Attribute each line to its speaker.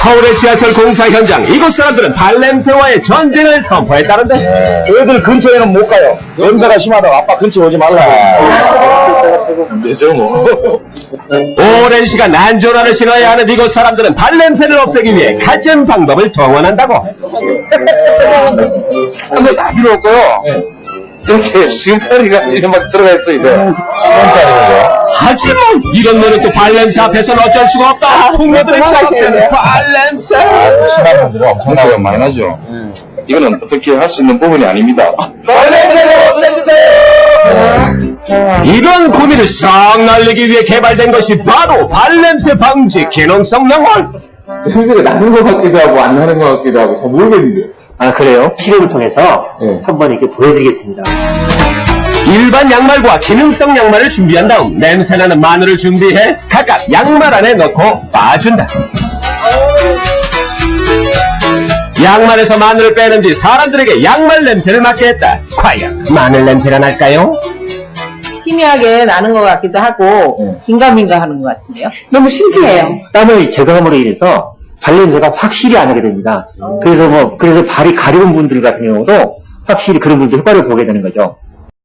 Speaker 1: 서울의 지하철 공사 현장, 이곳 사람들은 발냄새와의 전쟁을 선포했다는데.
Speaker 2: 애들 근처에는 못 가요. 냄새가 심하다고 아빠 근처 오지 말라. 되죠 뭐.
Speaker 1: 오랜 시간 안전화를 신어야 하는 이곳 사람들은 발냄새를 없애기 위해 갖은 방법을 동원한다고.
Speaker 2: 한번 다 필요 없고요. 이렇게 수염차리가 이렇게 막 들어가 있어, 이거. 수염차리가.
Speaker 1: 하지만 이런 노릇도 발냄새 앞에서는 어쩔 수가 없다. 풍녀들의 차이는 발냄새.
Speaker 2: 심한 분들은 엄청나게 많이 나죠. 이거는 어떻게 할 수 있는 부분이 아닙니다. 발냄새를 없애주세요!
Speaker 1: 이런 고민을 싹 날리기 위해 개발된 것이 바로 발냄새 방지 기능성 영월.
Speaker 2: 냄새가 나는 것 같기도 하고 안 나는 것 같기도 하고 잘 모르겠는데.
Speaker 3: 아, 그래요? 실험을 통해서 한번 이렇게 보여드리겠습니다.
Speaker 1: 일반 양말과 기능성 양말을 준비한 다음 냄새나는 마늘을 준비해 각각 양말 안에 넣고 빻아준다. 양말에서 마늘을 빼는 뒤 사람들에게 양말 냄새를 맡게 했다. 과연 마늘 냄새가 날까요?
Speaker 4: 희미하게 나는 것 같기도 하고 긴가민가 하는 것 같은데요. 너무 신기해요.
Speaker 3: 땀을 제거함으로 인해서 발냄새가 확실히 안 나게 됩니다. 그래서 발이 가려운 분들 같은 경우도 확실히 그런 분들 효과를 보게 되는 거죠.